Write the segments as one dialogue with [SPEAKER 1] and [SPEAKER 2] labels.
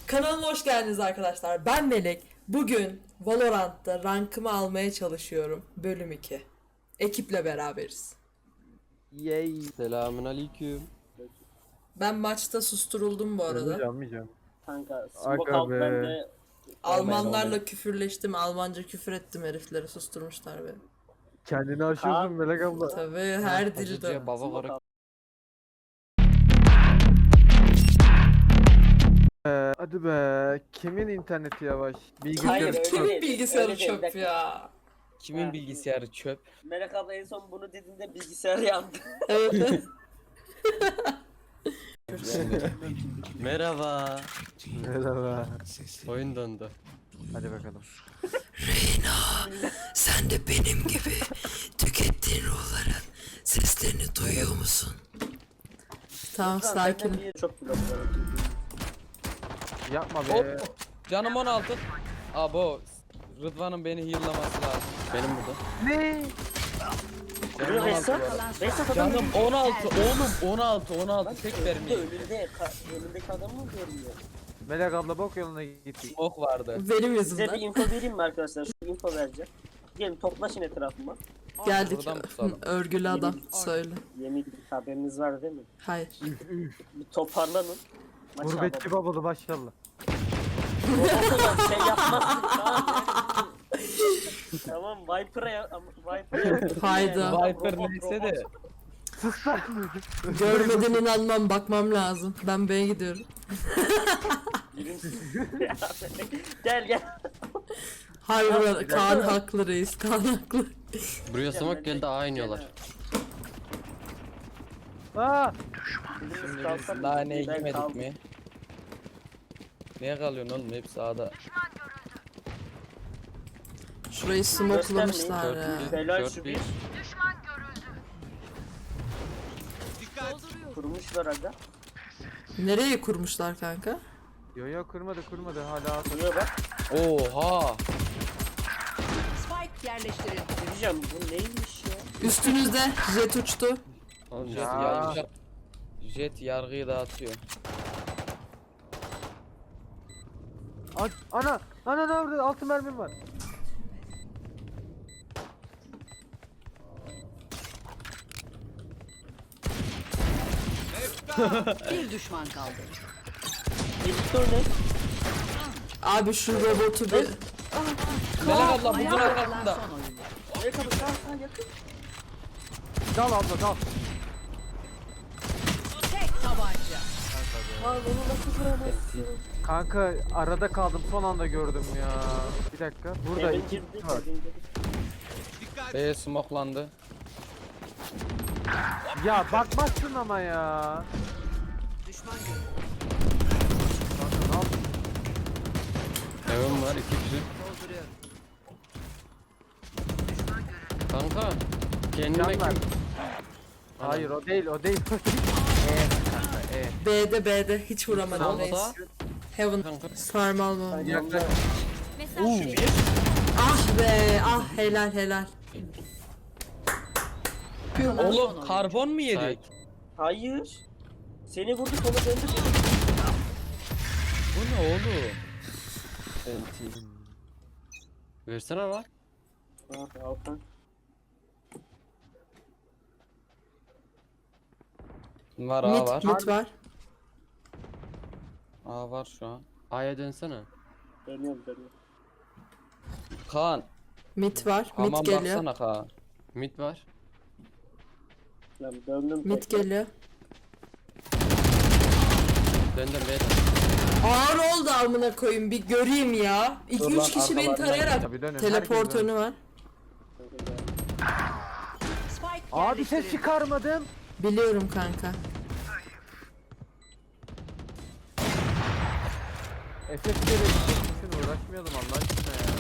[SPEAKER 1] Kanalıma hoş geldiniz arkadaşlar. Ben Melek. Bugün Valorant'ta rankımı almaya çalışıyorum. Bölüm 2. Ekiple beraberiz.
[SPEAKER 2] Yay.
[SPEAKER 3] Selamun aleyküm.
[SPEAKER 1] Ben maçta susturuldum bu arada.
[SPEAKER 2] Almayacağım.
[SPEAKER 4] Kanka
[SPEAKER 2] Aga
[SPEAKER 4] smoke alt
[SPEAKER 2] be.
[SPEAKER 4] bende.
[SPEAKER 1] Almanlarla küfürleştim. Almanca küfür ettim, herifleri susturmuşlar beni.
[SPEAKER 2] Kendini aşıyorsun Melek abla.
[SPEAKER 1] Tabii her dilde.
[SPEAKER 3] Hacıcıya baba
[SPEAKER 4] Smoke
[SPEAKER 3] olarak
[SPEAKER 4] alt.
[SPEAKER 2] Hadi be. Kimin interneti yavaş? Bilgisayar.
[SPEAKER 4] Hayır, öyle
[SPEAKER 1] Kimin
[SPEAKER 4] değil,
[SPEAKER 1] bilgisayarı
[SPEAKER 4] öyle değil,
[SPEAKER 1] çöp
[SPEAKER 4] dakika.
[SPEAKER 1] ya?
[SPEAKER 3] kimin
[SPEAKER 4] Ha.
[SPEAKER 3] bilgisayarı çöp?
[SPEAKER 4] Melek abla en son bunu dediğinde bilgisayar yandı.
[SPEAKER 1] Evet.
[SPEAKER 3] Merhaba.
[SPEAKER 2] Merhaba.
[SPEAKER 3] Oyun dondu.
[SPEAKER 2] Hadi bakalım.
[SPEAKER 1] Sen de benim gibi tükettiğin ruhların seslerini duyuyor musun? Tamam, sakin.
[SPEAKER 4] Benden bir çok bloklarım.
[SPEAKER 2] Yapma be.
[SPEAKER 3] Hop. Canım 16. Abo. Rıdvan'ın beni heal'laması lazım. Benim burada.
[SPEAKER 2] Ne?
[SPEAKER 3] Canım 16
[SPEAKER 4] Veysel.
[SPEAKER 3] bu arada.
[SPEAKER 4] Veysel adam
[SPEAKER 3] Canım 16. Oğlum 16.
[SPEAKER 4] Lan
[SPEAKER 3] Tek
[SPEAKER 4] önünde,
[SPEAKER 3] vermiyor.
[SPEAKER 4] önündeki adamı mı görmüyor?
[SPEAKER 2] Melek abla bok yoluna gittik.
[SPEAKER 3] Smoke vardı.
[SPEAKER 1] Benim
[SPEAKER 4] Size bir
[SPEAKER 1] yüzümden.
[SPEAKER 4] info vereyim mi arkadaşlar? Şu info vereceğim. Gelin toplaşın etrafıma.
[SPEAKER 1] Geldik.
[SPEAKER 3] Buradan tutalım.
[SPEAKER 1] Örgülü adam. Söyle.
[SPEAKER 4] Yemin haberiniz var değil mi?
[SPEAKER 1] Hayır.
[SPEAKER 4] Bir toparlanın. Maçı
[SPEAKER 2] Gurbetçi
[SPEAKER 4] alalım.
[SPEAKER 2] babalı maşallah.
[SPEAKER 4] O kadar şey yapmazsın tamam ya. Tamam Viper'a
[SPEAKER 1] Fayda.
[SPEAKER 3] Viper neyse de.
[SPEAKER 2] Sus lan.
[SPEAKER 1] Görmeden inanmam, bakmam lazım. Ben B'ye gidiyorum.
[SPEAKER 4] Gel.
[SPEAKER 1] Hayır, Kaan haklı reis. Kaan haklı.
[SPEAKER 3] Buraya smoke geldi A iniyorlar.
[SPEAKER 2] Aa!
[SPEAKER 3] Şimdi biz laneye girmedik mi? Neye kalıyorsun oğlum? Hepsi A'da.
[SPEAKER 1] Şurayı smokelamışlar ya.
[SPEAKER 4] Helal şu bir. Kurmuşlar aga.
[SPEAKER 1] Nereye kurmuşlar kanka?
[SPEAKER 2] Yo kurmadı hala.
[SPEAKER 4] Kuruyor bak.
[SPEAKER 3] Oha!
[SPEAKER 5] Spike yerleştirildi.
[SPEAKER 4] Diyeceğim bu neymiş ya?
[SPEAKER 1] Üstünüzde jet uçtu.
[SPEAKER 3] Oğlum Jet,
[SPEAKER 2] Ya.
[SPEAKER 3] Jet yargıyı dağıtıyor.
[SPEAKER 2] Ana ne yaptı? 6 mermim var.
[SPEAKER 5] Bir düşman kaldı.
[SPEAKER 4] Editör ne?
[SPEAKER 1] Abi şu robotu bir...
[SPEAKER 3] Melek abla buzun
[SPEAKER 5] Ayakta kalan
[SPEAKER 3] arkasında.
[SPEAKER 5] son oyuncu.
[SPEAKER 4] Ne kadar sağ yakın.
[SPEAKER 2] Dal abla dal.
[SPEAKER 5] Tek tabanca.
[SPEAKER 4] Lan onu nasıl vuramazsın?
[SPEAKER 2] Kanka arada kaldım son anda gördüm ya. Bir dakika. Burada
[SPEAKER 4] Heaven
[SPEAKER 2] iki
[SPEAKER 4] girdi.
[SPEAKER 2] kişi var.
[SPEAKER 4] Heaven girdi.
[SPEAKER 3] B smokelandı.
[SPEAKER 2] Ya bakmazsın ama ya.
[SPEAKER 5] Düşman görüldü.
[SPEAKER 2] Kanka ne yaptın?
[SPEAKER 3] Evim var 2 kişi.
[SPEAKER 5] Dolduruyorum.
[SPEAKER 3] Kanka. Kendime
[SPEAKER 2] Can ver.
[SPEAKER 3] kim?
[SPEAKER 2] Hayır o değil.
[SPEAKER 1] B'de hiç vuramadım reis.
[SPEAKER 3] Sağda.
[SPEAKER 1] Heaven.
[SPEAKER 3] Kanka.
[SPEAKER 1] Sarmal mı?
[SPEAKER 2] Yaklaş.
[SPEAKER 1] Ah be, ah helal.
[SPEAKER 3] Oğlum karbon mu yedik?
[SPEAKER 4] Hayır. Seni vurdu sonra döndü.
[SPEAKER 3] Bu ne oğlum? Enti. Versene lan.
[SPEAKER 4] Ah alttan.
[SPEAKER 3] Var A var.
[SPEAKER 1] Mid var.
[SPEAKER 3] A var şu an. A'ya dönsene.
[SPEAKER 4] Dönüyorum.
[SPEAKER 3] Kaan.
[SPEAKER 1] Mid var. Mid
[SPEAKER 3] Aman
[SPEAKER 1] geliyor.
[SPEAKER 3] baksana Kaan. Mid var.
[SPEAKER 4] Lan döndüm.
[SPEAKER 1] Mid
[SPEAKER 4] tekrar.
[SPEAKER 1] geliyor.
[SPEAKER 3] Döndüm B'den.
[SPEAKER 1] Ağır oldu amına koyayım, bir göreyim ya.
[SPEAKER 3] Dur
[SPEAKER 1] 2-3
[SPEAKER 3] lan,
[SPEAKER 1] kişi beni
[SPEAKER 3] arkalarından
[SPEAKER 1] tarayarak
[SPEAKER 2] Tabii dönün,
[SPEAKER 1] teleport
[SPEAKER 2] herkes dönün.
[SPEAKER 1] önü var.
[SPEAKER 5] Spike
[SPEAKER 2] Abi ses
[SPEAKER 5] yerleştirildi.
[SPEAKER 2] çıkarmadım.
[SPEAKER 1] Biliyorum kanka.
[SPEAKER 2] FF'leri için uğraşmayalım Allah aşkına ya.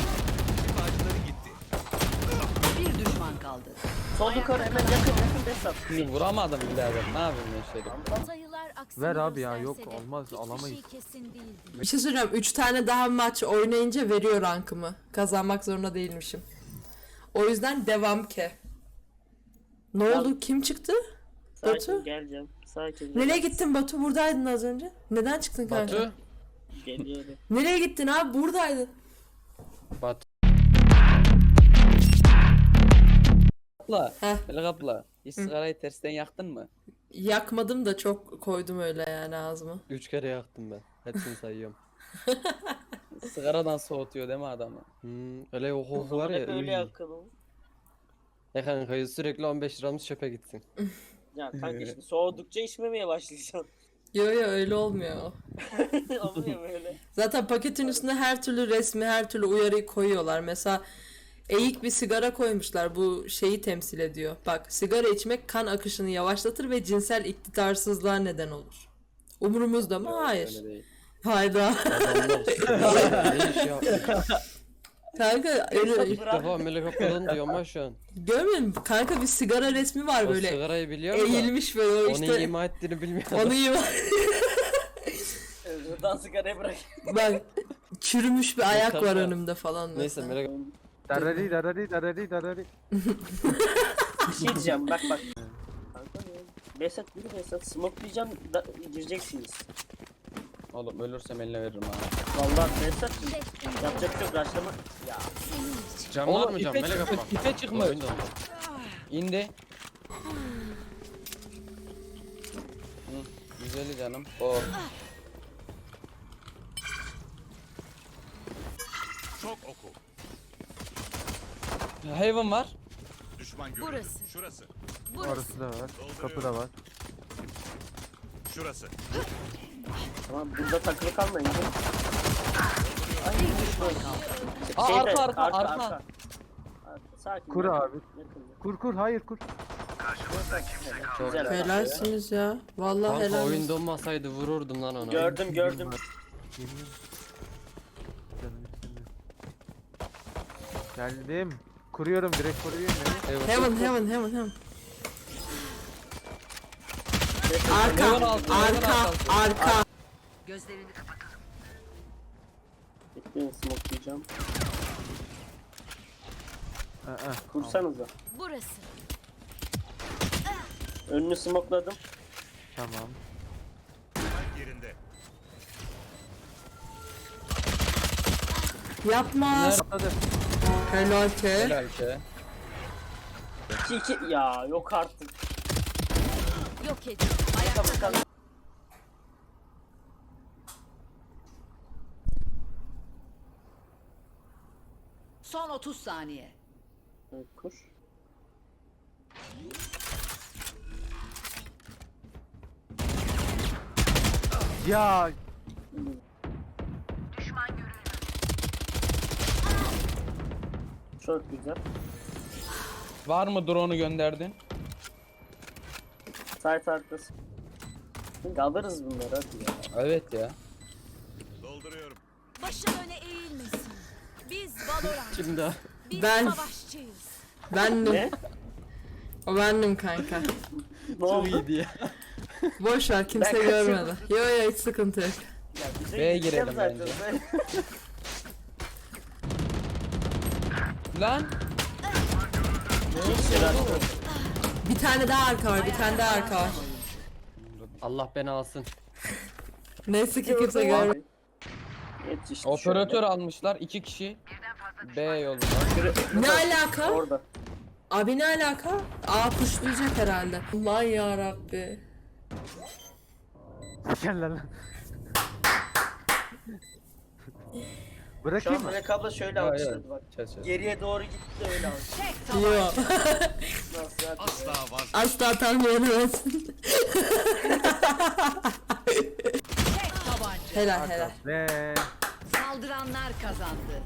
[SPEAKER 5] Bir düşman kaldı.
[SPEAKER 4] Sol yukarı hemen yakın Besat.
[SPEAKER 3] Şimdi vuramadım birader. Ne yapayım ben şöyle?
[SPEAKER 6] Sayılar aksini
[SPEAKER 2] Ver abi ya,
[SPEAKER 6] gösterse
[SPEAKER 2] yok,
[SPEAKER 6] de
[SPEAKER 2] olmaz,
[SPEAKER 6] hiçbir
[SPEAKER 2] alamayız.
[SPEAKER 6] şey kesin değildi.
[SPEAKER 1] Bir şey söyleyeceğim. 3 tane daha maç oynayınca veriyor rankımı. Kazanmak zorunda değilmişim. O yüzden devam ke. Ne oldu? Kim çıktı? Batu?
[SPEAKER 4] Sakin geleceğim. Sakin.
[SPEAKER 1] Nereye gittin Batu? Buradaydın az önce. Neden çıktın kanka?
[SPEAKER 3] Batu.
[SPEAKER 4] Geliyorum.
[SPEAKER 1] Nereye gittin abi? Buradaydın.
[SPEAKER 3] Bat. Abla.
[SPEAKER 1] Heh.
[SPEAKER 3] Melek abla. Hiç sigarayı tersten yaktın mı?
[SPEAKER 1] Yakmadım da çok koydum öyle yani ağzıma.
[SPEAKER 6] 3 kere yaktım ben. Hepsini sayıyorum.
[SPEAKER 3] Sigaradan soğutuyor değil mi adamı?
[SPEAKER 6] Öyle o koku var ya.
[SPEAKER 4] Hep öyle
[SPEAKER 6] Öyle
[SPEAKER 4] yakın.
[SPEAKER 6] Ya kanka sürekli 15 liramız çöpe gitsin.
[SPEAKER 4] Ya kanka işte soğudukça içmemeye başlayacaksın.
[SPEAKER 1] Yo yo öyle olmuyor o.
[SPEAKER 4] Olmuyor böyle.
[SPEAKER 1] Zaten paketin üstüne her türlü resmi, her türlü uyarıyı koyuyorlar. Mesela eğik bir sigara koymuşlar. Bu şeyi temsil ediyor. Bak, sigara içmek kan akışını yavaşlatır ve cinsel iktidarsızlığa neden olur. Umurumuzda mı? Hayır.
[SPEAKER 3] Öyle değil.
[SPEAKER 1] Hayda.
[SPEAKER 6] Adamlar sigara ne iş yapmış.
[SPEAKER 1] Kanka öyle,
[SPEAKER 6] İlk defa melek abladan diyorum ama şu an.
[SPEAKER 1] görmüyor musun? Kanka bir sigara resmi var
[SPEAKER 6] O
[SPEAKER 1] böyle.
[SPEAKER 6] sigarayı biliyorum da.
[SPEAKER 1] Eğilmiş böyle o
[SPEAKER 6] Onu
[SPEAKER 1] işte.
[SPEAKER 6] ima ettiğini bilmiyorum.
[SPEAKER 1] Onu ima.
[SPEAKER 4] Buradan sigarayı bırak.
[SPEAKER 1] Bak, çürümüş bir ayak var
[SPEAKER 6] Kanka.
[SPEAKER 1] önümde falan
[SPEAKER 6] Neyse
[SPEAKER 1] mesela.
[SPEAKER 6] melek
[SPEAKER 2] Darari darari darari darari.
[SPEAKER 4] Bir şey diyeceğim bak. Kanka ya. Besat yürü Besat. Smokelayacağım da gireceksiniz.
[SPEAKER 3] Oğlum ölürsem eline veririm ha.
[SPEAKER 4] Vallahi Besat yapacak bir şey yok. Raşlama. Ya.
[SPEAKER 6] Cam var
[SPEAKER 3] Oğlum
[SPEAKER 6] mı cam
[SPEAKER 3] ipe
[SPEAKER 6] melek
[SPEAKER 3] çıkmış,
[SPEAKER 6] abla?
[SPEAKER 3] ipe çıkmış.
[SPEAKER 6] Oyunda mı?
[SPEAKER 3] İndi. Hı, güzeli canım. O.
[SPEAKER 7] Çok oku.
[SPEAKER 3] Hayvan var.
[SPEAKER 7] Düşman görüldü.
[SPEAKER 5] Burası.
[SPEAKER 7] Şurası.
[SPEAKER 2] Orası da var. Kapı da var.
[SPEAKER 7] Şurası.
[SPEAKER 4] Tamam burada takılı kalmayın.
[SPEAKER 5] Bir düşman kaldı.
[SPEAKER 3] Aa, arka.
[SPEAKER 4] Sakin.
[SPEAKER 2] Kur
[SPEAKER 4] yakın,
[SPEAKER 2] abi.
[SPEAKER 4] yakın.
[SPEAKER 2] Kur hayır kur.
[SPEAKER 4] Güzel.
[SPEAKER 1] Helalsiniz ya. Vallahi
[SPEAKER 6] Kanka
[SPEAKER 1] helal.
[SPEAKER 6] oyunda olmasaydı vururdum lan onu.
[SPEAKER 4] Gördüm.
[SPEAKER 2] Canım istemiyor. Geldim. Kuruyorum direkt kuruyorum beni.
[SPEAKER 6] Evet.
[SPEAKER 1] Heaven.
[SPEAKER 3] Hayvan altı, hayvan altı.
[SPEAKER 1] Arka.
[SPEAKER 5] Gözlerini kapatın.
[SPEAKER 4] Bekleyin smokelayacağım.
[SPEAKER 2] Aa,
[SPEAKER 4] Kursanıza.
[SPEAKER 5] Burası.
[SPEAKER 4] Önünü smokeladım.
[SPEAKER 2] tamam.
[SPEAKER 7] Yerinde.
[SPEAKER 1] Yapma.
[SPEAKER 2] Atladı.
[SPEAKER 1] Helal ki.
[SPEAKER 3] Helal ki.
[SPEAKER 4] 2-2. Ya yok artık.
[SPEAKER 5] Yok edin. Ayakta kalın. Son 30 saniye.
[SPEAKER 4] Evet, kur.
[SPEAKER 2] Ya
[SPEAKER 4] Çok güzel.
[SPEAKER 3] Var mı drone'u gönderdin?
[SPEAKER 4] Site arkası. Şimdi alırız bunları hadi ya.
[SPEAKER 3] Evet ya.
[SPEAKER 7] Dolduruyorum.
[SPEAKER 5] Başın öne eğilmesin. Biz Valorant.
[SPEAKER 6] Şimdi
[SPEAKER 5] Biz
[SPEAKER 1] Ben-
[SPEAKER 5] savaşçıyız.
[SPEAKER 1] Bendim.
[SPEAKER 4] Ne?
[SPEAKER 1] O bendim kanka.
[SPEAKER 4] Ne oldu?
[SPEAKER 6] iyiydi ya.
[SPEAKER 1] Boş ver, kimse
[SPEAKER 4] Ben
[SPEAKER 1] görmedi. Yo hiç sıkıntı yok.
[SPEAKER 4] Ya bize
[SPEAKER 3] B'ye
[SPEAKER 4] gideceğim
[SPEAKER 3] girelim
[SPEAKER 4] zaten.
[SPEAKER 3] Lan.
[SPEAKER 4] Hiç yarar yok.
[SPEAKER 1] Bir tane daha arka var, bir tane daha arka var.
[SPEAKER 6] Allah beni alsın.
[SPEAKER 1] Neyse ki kimse görmedi.
[SPEAKER 4] Yetişti
[SPEAKER 3] Operatör almışlar 2 kişi. B yolunda.
[SPEAKER 1] Ne alaka?
[SPEAKER 4] Orada.
[SPEAKER 1] Abi ne alaka? Aa kuşlayacak herhalde. Aman yarabbi.
[SPEAKER 2] gel lan.
[SPEAKER 4] Şu
[SPEAKER 2] Bırakayım
[SPEAKER 4] an
[SPEAKER 2] mı?
[SPEAKER 4] Melek abla şöyle
[SPEAKER 3] Ya,
[SPEAKER 4] alkışladı bak.
[SPEAKER 3] Çöz.
[SPEAKER 4] Geriye doğru gitti öyle alkışladı.
[SPEAKER 5] Tek tabanca.
[SPEAKER 1] Yo.
[SPEAKER 4] Nasıl ya?
[SPEAKER 7] Asla vazgeç.
[SPEAKER 1] Asla tahmin edemezsin.
[SPEAKER 5] Tek tabanca.
[SPEAKER 1] Helal.
[SPEAKER 2] Ve
[SPEAKER 5] Saldıranlar kazandı.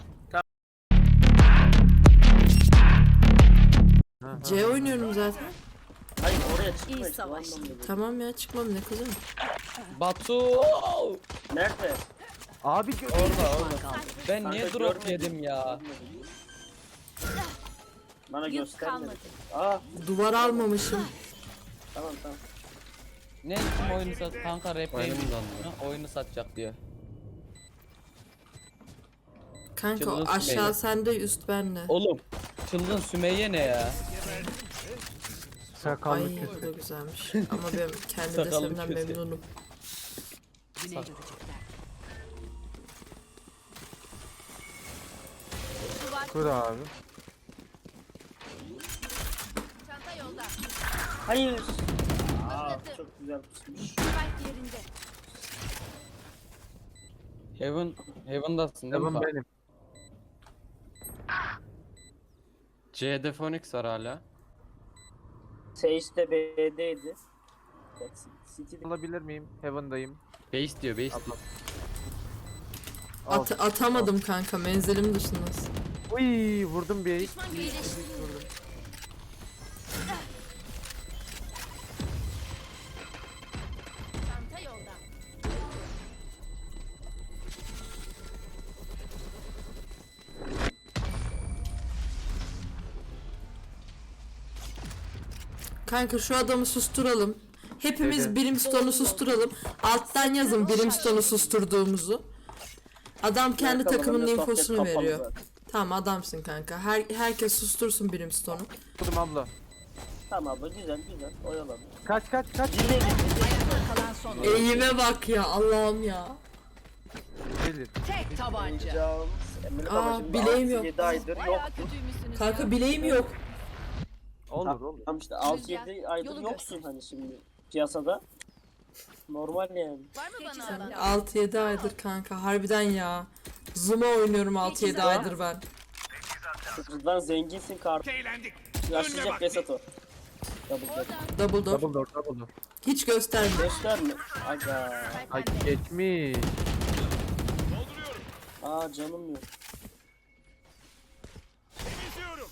[SPEAKER 1] C oynuyorum zaten.
[SPEAKER 4] Hayır oraya
[SPEAKER 5] İyi
[SPEAKER 4] çıkmayın.
[SPEAKER 5] savaş.
[SPEAKER 1] Tamam ya, çıkmam ne kızım.
[SPEAKER 3] Batu.
[SPEAKER 4] Nerede?
[SPEAKER 2] abi
[SPEAKER 3] Orada.
[SPEAKER 5] Kaldı.
[SPEAKER 3] Ben niye
[SPEAKER 4] Kanka
[SPEAKER 3] drop
[SPEAKER 4] görmedim.
[SPEAKER 3] yedim ya?
[SPEAKER 4] Bana
[SPEAKER 5] Yük
[SPEAKER 4] göstermedi.
[SPEAKER 5] kalmadı.
[SPEAKER 4] Aa
[SPEAKER 1] Duvar almamışım.
[SPEAKER 4] tamam.
[SPEAKER 3] Ne kim oyunu sat? Kanka rap
[SPEAKER 6] Oyunum
[SPEAKER 3] neymiş?
[SPEAKER 6] dondu.
[SPEAKER 3] Ha, oyunu satacak diyor.
[SPEAKER 1] Kanka o
[SPEAKER 3] Çılgın
[SPEAKER 1] aşağı
[SPEAKER 3] Sümeyye.
[SPEAKER 1] sende, üst bende.
[SPEAKER 3] Oğlum çılgın Sümeyye ne ya?
[SPEAKER 2] sakallı
[SPEAKER 1] Ay
[SPEAKER 2] kötü.
[SPEAKER 1] bu da güzelmiş. Ama ben kendi
[SPEAKER 3] Sakallı
[SPEAKER 1] desemden
[SPEAKER 3] kötü.
[SPEAKER 1] memnunum.
[SPEAKER 5] Güney görecekler.
[SPEAKER 2] Kur abi.
[SPEAKER 5] Çanta yolda.
[SPEAKER 4] Hayır. Aa, çok güzel pusmuş.
[SPEAKER 5] Spike yerinde.
[SPEAKER 3] Heaven'dasın değil mi?
[SPEAKER 2] Heaven
[SPEAKER 3] Bak?
[SPEAKER 2] benim.
[SPEAKER 6] C'de Phoenix var hala.
[SPEAKER 4] Sage de B'deydi. City'de
[SPEAKER 2] Alabilir miyim? Heaven'dayım.
[SPEAKER 6] Base diyor, base diyor.
[SPEAKER 2] Al.
[SPEAKER 1] Atamadım kanka, menzilim dışındasın.
[SPEAKER 2] Uy, vurdum bir.
[SPEAKER 5] Düşman iyileştiriyor. Çanta yolda.
[SPEAKER 1] Kanka şu adamı susturalım. Hepimiz
[SPEAKER 2] Evet.
[SPEAKER 1] Brimstone'u susturalım. Alttan yazın Brimstone'u susturduğumuzu. Adam kendi takımının infosunu veriyor. Tamam, adamsın kanka. Herkes sustursun Brimstone'u.
[SPEAKER 2] Vurdum abla.
[SPEAKER 4] Tamam abla, güzel güzel. Oyalan.
[SPEAKER 2] Kaç.
[SPEAKER 4] Zirveye git.
[SPEAKER 5] Kalan son oyun.
[SPEAKER 1] Eğime bak ya, Allah'ım ya.
[SPEAKER 2] Gelir.
[SPEAKER 5] Tek tabanca.
[SPEAKER 4] Canım. Emre
[SPEAKER 1] Aa,
[SPEAKER 4] babacığım,
[SPEAKER 1] bileğim yok.
[SPEAKER 4] 6-7 aydır yok.
[SPEAKER 5] Bayağı kötüymüşsünüz
[SPEAKER 1] Kanka
[SPEAKER 5] ya.
[SPEAKER 1] bileğim yok.
[SPEAKER 2] Olur.
[SPEAKER 4] Tamam işte 6-7 aydır
[SPEAKER 5] Yolu
[SPEAKER 4] yoksun
[SPEAKER 5] göster.
[SPEAKER 4] hani şimdi piyasada. Normal yani.
[SPEAKER 5] Var mı bana alan?
[SPEAKER 1] 6-7 aydır kanka, harbiden ya. Zuma oynuyorum 6-7 aydır ben.
[SPEAKER 4] Sıfırdan zenginsin kart.
[SPEAKER 7] Eğlendik.
[SPEAKER 4] Yaşlayacak Vesat o. Double door.
[SPEAKER 1] Double door.
[SPEAKER 2] Double door.
[SPEAKER 1] Hiç gösterme.
[SPEAKER 4] Gösterme. Aga.
[SPEAKER 2] Ay geçmiş.
[SPEAKER 7] Dolduruyorum.
[SPEAKER 4] Aa, canım yok.
[SPEAKER 7] Temizliyorum.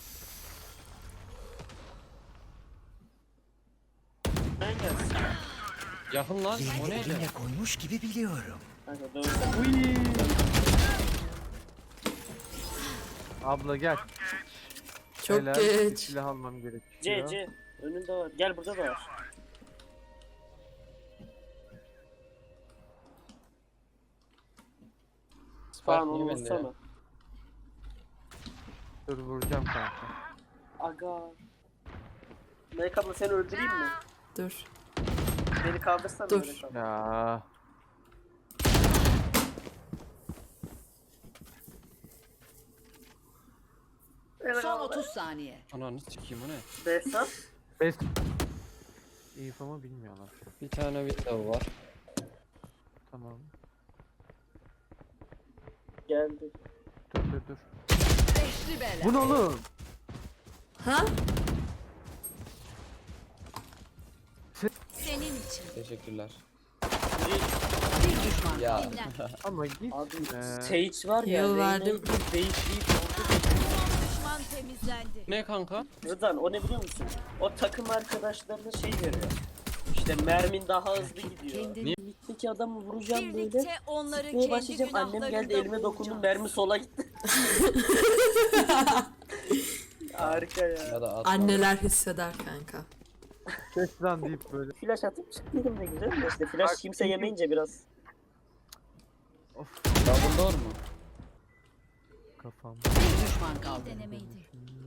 [SPEAKER 4] Ben gelsin.
[SPEAKER 6] Yakın lan. O
[SPEAKER 8] Yerini
[SPEAKER 6] neydi?
[SPEAKER 8] elimle koymuş gibi biliyorum.
[SPEAKER 4] Kanka dön.
[SPEAKER 2] Uy. Abla gel.
[SPEAKER 1] Çok
[SPEAKER 2] Helal, bir
[SPEAKER 1] geç.
[SPEAKER 2] silah almam
[SPEAKER 4] C
[SPEAKER 2] gerekiyor.
[SPEAKER 4] C. Önünde var. Gel, burada da var. Falan
[SPEAKER 6] Spike
[SPEAKER 4] onu
[SPEAKER 6] niye bende ya?
[SPEAKER 4] vursana.
[SPEAKER 2] Dur vuracağım kanka.
[SPEAKER 4] Aga. Melek abla, seni öldüreyim mi?
[SPEAKER 1] Dur.
[SPEAKER 4] Beni kaldırsana
[SPEAKER 1] Dur.
[SPEAKER 4] Melek abla.
[SPEAKER 2] Ya.
[SPEAKER 5] Son 30 saniye.
[SPEAKER 6] Ananı sikeyim, o ne?
[SPEAKER 4] Behzat.
[SPEAKER 2] Best. İnfomu bilmiyorlar.
[SPEAKER 6] Bir tane window var.
[SPEAKER 2] Tamam.
[SPEAKER 4] Geldi.
[SPEAKER 2] Dur.
[SPEAKER 5] Beşli bela.
[SPEAKER 2] Bu ne oğlum?
[SPEAKER 1] Ha?
[SPEAKER 5] Senin için.
[SPEAKER 6] Teşekkürler.
[SPEAKER 5] Bir düşman
[SPEAKER 6] Ya.
[SPEAKER 5] kaldı. Dinlen.
[SPEAKER 2] Ama git.
[SPEAKER 4] Abi
[SPEAKER 2] Ee,
[SPEAKER 4] Sage var ya.
[SPEAKER 1] Yol
[SPEAKER 4] Reyna'yı
[SPEAKER 1] verdim.
[SPEAKER 4] bir değişik.
[SPEAKER 5] Düşman temizlendi.
[SPEAKER 6] Ne kanka?
[SPEAKER 4] Rıdvan, o ne biliyor musun? O takım arkadaşlarına şey veriyor. İşte mermin daha hızlı gidiyor.
[SPEAKER 5] Kendini
[SPEAKER 4] Mitteki adamı vuracağım böyle.
[SPEAKER 5] birlikte onları
[SPEAKER 4] Neye
[SPEAKER 5] kendi
[SPEAKER 4] başlayacağım? Annem geldi, elime dokundu, mermi sola gitti. Harika ya.
[SPEAKER 6] Ya da atma.
[SPEAKER 1] Anneler hisseder kanka.
[SPEAKER 2] Kes lan deyip böyle.
[SPEAKER 4] Flash atıp çıktıydım ne güzel de işte flash kimse yemeyince biraz.
[SPEAKER 6] Double door mu?
[SPEAKER 2] Kafam.
[SPEAKER 5] bir düşman kaldı. Denemeydi.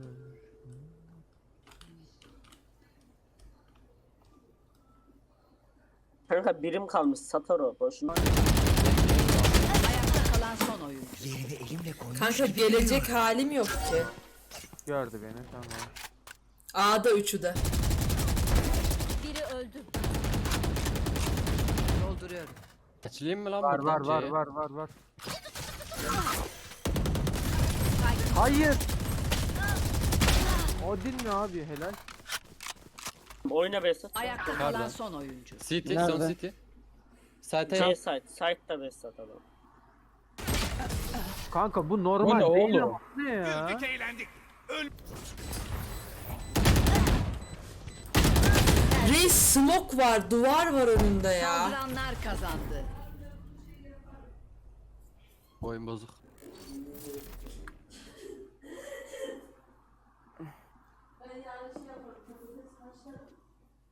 [SPEAKER 4] Kanka birim kalmış, satar o boşuna.
[SPEAKER 5] Ayakta kalan son oyuncu.
[SPEAKER 8] Yerini elimle koymuş
[SPEAKER 1] Kanka
[SPEAKER 8] gibi
[SPEAKER 1] gelecek halim yok ki.
[SPEAKER 2] Gördü beni, tamam.
[SPEAKER 1] A'da üçü de.
[SPEAKER 5] Biri öldü. Dolduruyorum.
[SPEAKER 6] Açılayım mı lan
[SPEAKER 2] Var
[SPEAKER 6] buradan
[SPEAKER 2] var
[SPEAKER 6] C'ye?
[SPEAKER 2] var. Hayır. O değil mi abi, helal.
[SPEAKER 4] Oyna Besat.
[SPEAKER 5] Ayakta
[SPEAKER 6] Nerede?
[SPEAKER 5] kalan son oyuncu.
[SPEAKER 6] City,
[SPEAKER 3] Nerede?
[SPEAKER 6] son City. Site'e
[SPEAKER 4] C
[SPEAKER 6] yap.
[SPEAKER 4] site, site'da Besat adam.
[SPEAKER 2] Kanka bu normal
[SPEAKER 3] Bu ne
[SPEAKER 2] değil
[SPEAKER 3] oğlum?
[SPEAKER 2] ama. Ne ya?
[SPEAKER 7] Güldük, eğlendik.
[SPEAKER 1] Reis smoke var, duvar var önünde ya.
[SPEAKER 5] Saldıranlar kazandı.
[SPEAKER 6] Oyun bozuk.